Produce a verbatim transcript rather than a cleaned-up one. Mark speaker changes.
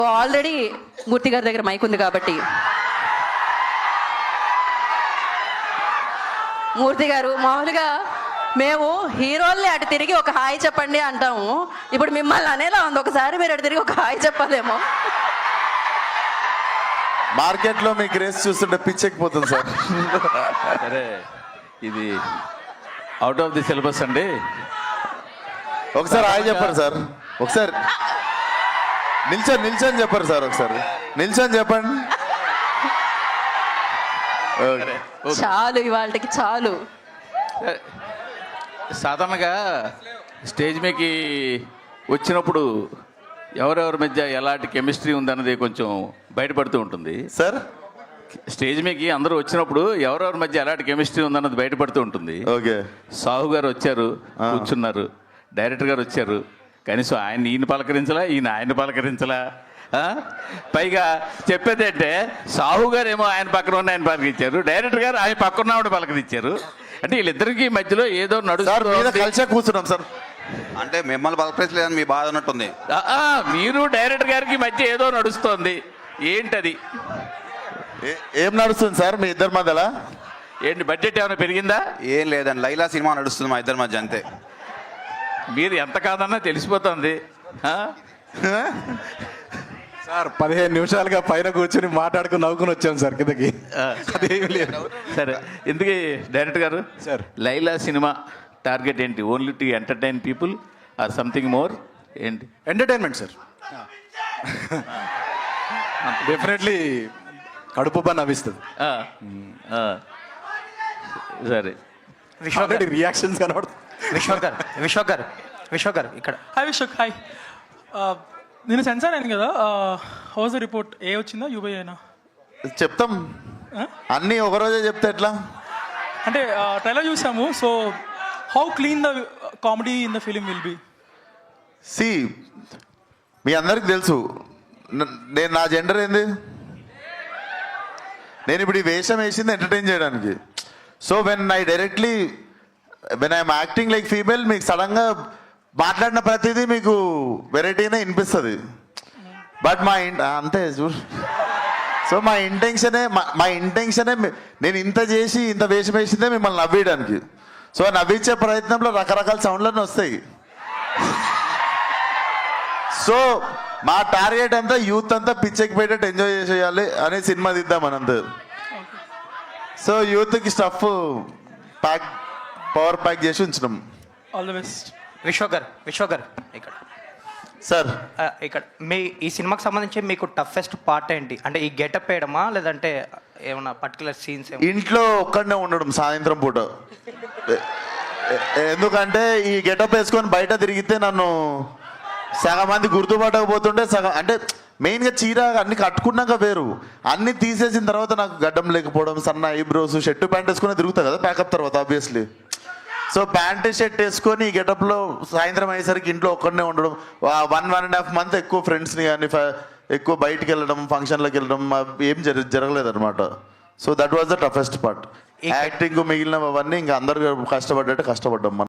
Speaker 1: Already మూర్తి గారి దగ్గర mic ఉంది కాబట్టి మూర్తి గారు, మామూలుగా మేము హీరోల్ని అటు తిరిగి ఒక హాయ్ చెప్పండి అంటాము, ఇప్పుడు మిమ్మల్ని అనేలా ఉంది, ఒకసారి మీరు అటు తిరిగి ఒక హాయ్ చెప్పాలేమో.
Speaker 2: మార్కెట్లో మీ క్రేజ్ చూస్తుంటే పిచ్చెక్కిపోతుంది సార్.
Speaker 3: సరే, ఇది అవుట్ ఆఫ్ ది సిలబస్ అండి.
Speaker 2: ఒకసారి హాయ్ చెప్పండి సార్. ఒకసారి నిల్చొని నిల్చొని చెప్పండి సార్. ఒకసారి నిల్చొని చెప్పండి.
Speaker 1: చాలు, ఇవాళకి చాలు.
Speaker 3: సాధారణంగా స్టేజ్ మీదకి వచ్చినప్పుడు ఎవరెవరి మధ్య ఎలాంటి కెమిస్ట్రీ ఉందన్నది కొంచెం బయటపడుతూ ఉంటుంది
Speaker 2: సార్.
Speaker 3: స్టేజ్ మీదకి అందరూ వచ్చినప్పుడు ఎవరెవరి మధ్య ఎలాంటి కెమిస్ట్రీ ఉందన్నది బయటపడుతూ ఉంటుంది.
Speaker 2: ఓకే.
Speaker 3: సాహు గారు వచ్చారు, కూర్చున్నారు. డైరెక్టర్ గారు వచ్చారు, కనీసం ఆయన ఈయన పలకరించలా, ఈయన ఆయన పలకరించలా. పైగా చెప్పేది అంటే సాహు గారు ఏమో ఆయన పక్కన ఉన్న ఆయన పలకరించారు, డైరెక్టర్ గారు ఆయన పక్కన ఉన్నవాడు పలకరించారు. అంటే వీళ్ళిద్దరికి మధ్యలో ఏదో నడుస్తారు.
Speaker 2: కలిసే కూర్చున్నాం సార్.
Speaker 4: అంటే మిమ్మల్ని పలకరించలేదని మీ బాధ ఉన్నట్టుంది.
Speaker 3: మీరు డైరెక్టర్ గారికి మధ్య ఏదో నడుస్తోంది, ఏంటది?
Speaker 2: ఏం నడుస్తుంది సార్ మీ ఇద్దరి మధ్యలో?
Speaker 3: ఏంటి, బడ్జెట్ ఏమైనా పెరిగిందా?
Speaker 4: ఏం లేదండి, లైలా సినిమా నడుస్తుంది మా ఇద్దరి మధ్య, అంతే.
Speaker 3: మీరు ఎంత కాదన్నా తెలిసిపోతుంది.
Speaker 5: సార్ పదిహేను నిమిషాలుగా పైన కూర్చొని మాట్లాడుకుని నవ్వుకుని వచ్చాం సార్ కిందకి. అదేమి లేదు.
Speaker 3: సరే, ఎందుకు డైరెక్టర్ గారు
Speaker 5: సార్,
Speaker 3: లైలా సినిమా టార్గెట్ ఏంటి? Only to entertain people or something more? ఏంటి?
Speaker 5: Entertainment sir. డెఫినెట్లీ కడుపు పని నవ్విస్తుంది.
Speaker 3: సరే,
Speaker 5: ఆల్రెడీ రియాక్షన్స్ కనబడుతుంది.
Speaker 6: విశ్వక్ గారు విశ్వక్ గారు విశ్వక్ గారు ఇక్కడ.
Speaker 7: హాయ్ విశ్వక్. హాయ్. నేను సెన్సార్ అయింది కదా, హౌస్ రిపోర్ట్ ఏ వచ్చిందా యూబై అయినా?
Speaker 2: చెప్తాం అన్నీ ఒకరోజే చెప్తే ఎట్లా?
Speaker 7: అంటే ట్రైలర్ చూసాము, so how clean the comedy in the film will be?
Speaker 2: See, మీ అందరికి తెలుసు నేను నా జెండర్ ఏంది. నేను ఇప్పుడు ఈ వేషం వేసింది ఎంటర్టైన్ చేయడానికి. So when I directly when I'm acting like female, మీకు సడన్గా మాట్లాడిన ప్రతిదీ మీకు వెరైటీనే వినిపిస్తుంది. బట్ మా ఇన్ అంతే చూడు. సో మా ఇంటెన్షనే మా ఇంటెన్షనే నేను ఇంత చేసి ఇంత వేషం వేసిందే మిమ్మల్ని నవ్వేయడానికి. సో నవ్వించే ప్రయత్నంలో రకరకాల సౌండ్లన్నీ వస్తాయి. సో మా టార్గెట్ అంతా యూత్ అంతా పిచ్చెక్కి పెట్టేట్టు ఎంజాయ్ చేసేయాలి అనే సినిమా తీద్దాం అనంత. సో యూత్కి స్టఫ్ ప్యాక్ పవర్ ప్యాక్ చేసి ఉంచినాం.
Speaker 7: All the best.
Speaker 6: విశ్వక్ గారు విశ్వక్ గారు ఇక్కడ
Speaker 2: సార్.
Speaker 6: ఇక్కడ మీ ఈ సినిమాకి సంబంధించి మీకు టఫెస్ట్ పార్ట్ ఏంటి? అంటే ఈ గెటప్ వేయడమా, లేదంటే ఏమన్నా పర్టికులర్ సీన్స్?
Speaker 2: ఇంట్లో ఒక్కడనే ఉండడం సాయంత్రం పూట. ఎందుకంటే ఈ గెటప్ వేసుకొని బయట తిరిగితే నన్ను సగం మంది గుర్తుపట్టకపోతుంటే సగం, అంటే మెయిన్గా చీర అన్ని కట్టుకున్నాక వేరు, అన్ని తీసేసిన తర్వాత నాకు గడ్డం లేకపోవడం, సన్న ఐబ్రోస్, షర్టు ప్యాంట్ వేసుకుని తిరుగుతా కదా ప్యాకప్ తర్వాత ఆబ్వియస్లీ. సో ప్యాంట్ షర్ట్ వేసుకొని ఈ గెటప్లో సాయంత్రం అయ్యేసరికి ఇంట్లో ఒక్కడనే ఉండడం, one one and half month ఎక్కువ ఫ్రెండ్స్ని కానీ ఎక్కువ బయటికి వెళ్ళడం, ఫంక్షన్లకు వెళ్ళడం ఏం జర జరగలేదు అనమాట. So that was the toughest part. Acting మిగిలినవన్నీ ఇంకా అందరు కష్టపడ్డట్టు కష్టపడ్డాం మనం.